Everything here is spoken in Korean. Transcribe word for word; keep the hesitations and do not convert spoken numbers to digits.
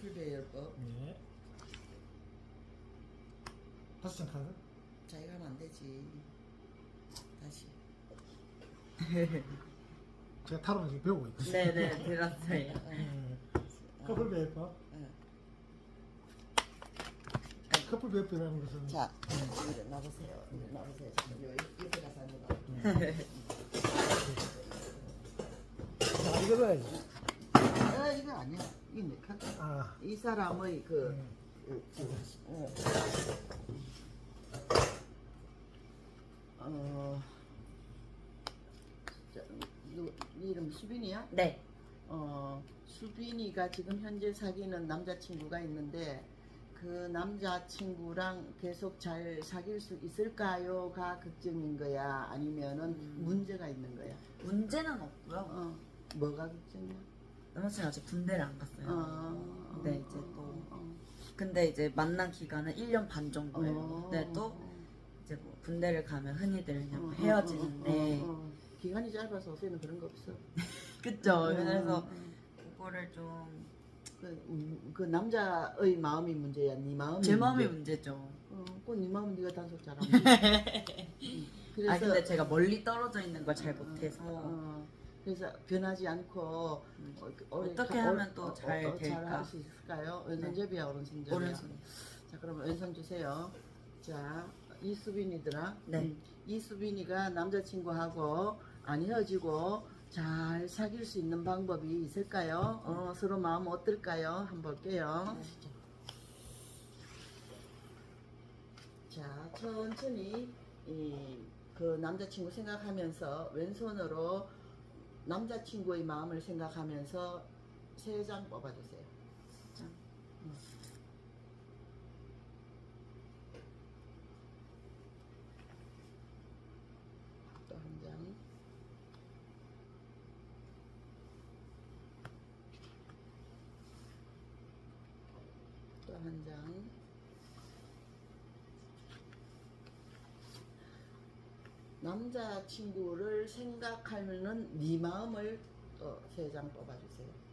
커플 배열법. 네. 다섯 장 카드. 자기가 하면 안 되지. 다시. 제가 타로는 지금 배우고 있거든요. 네네 들었어요. 네. 커플 배열법. 응. 커플 배열법이라는 것은 자, 이리 나보세요. 이리 나보세요. 잠깐 요 옆에 가서 앉아봐. 자, 이거 넣어야지. 아, 이거 아니야. 이거 내 카드. 아, 이 사람의 그, 음. 그, 어, 어, 자, 누, 네 이름 수빈이야? 네. 어, 수빈이가 지금 현재 사귀는 남자친구가 있는데 그 남자친구랑 계속 잘 사귈 수 있을까요?가 걱정인 거야? 아니면은 음. 문제가 있는 거야? 문제는 없고요. 어, 뭐가 걱정이야? 남자친구 아직 군대를 안 갔어요. 어, 네 이제 또 근데 이제 만난 기간은 일 년 반 정도예요. 어, 근데 또 이제 뭐 군대를 가면 흔히들 그냥 어, 어, 헤어지는데 어, 어, 어. 기간이 짧아서 요새는 그런 거 없어. 그쵸. 어, 그래서 어. 그거를 좀 제 그, 음, 그 남자의 마음이 문제야. 네 마음이 마음이 문제. 문제죠. 어, 그네 마음은 네가 단속 잘하면 돼. 음, 그래서 아 근데 제가 멀리 떨어져 있는 걸 잘 못해서 어, 그래서 변하지 않고 음. 어, 그 오래 어떻게 가- 하면 어, 또 어, 잘 어, 될까? 잘할 수 있을까요? 왼손잡이야, 오른손잡이야? 오른손. 자, 그러면 왼손 주세요. 자, 이수빈이더라. 네. 음, 이수빈이가 남자친구하고 안 헤어지고 잘 사귈 수 있는 방법이 있을까요? 어, 서로 마음 어떨까요? 한번 볼게요. 자, 천천히 이, 그 남자친구 생각하면서 왼손으로 남자친구의 마음을 생각하면서 세 장 뽑아주세요. 장. 음. 또 한 장. 또 한 장. 남자친구를 생각하면은 네 마음을 또 세 장 뽑아주세요.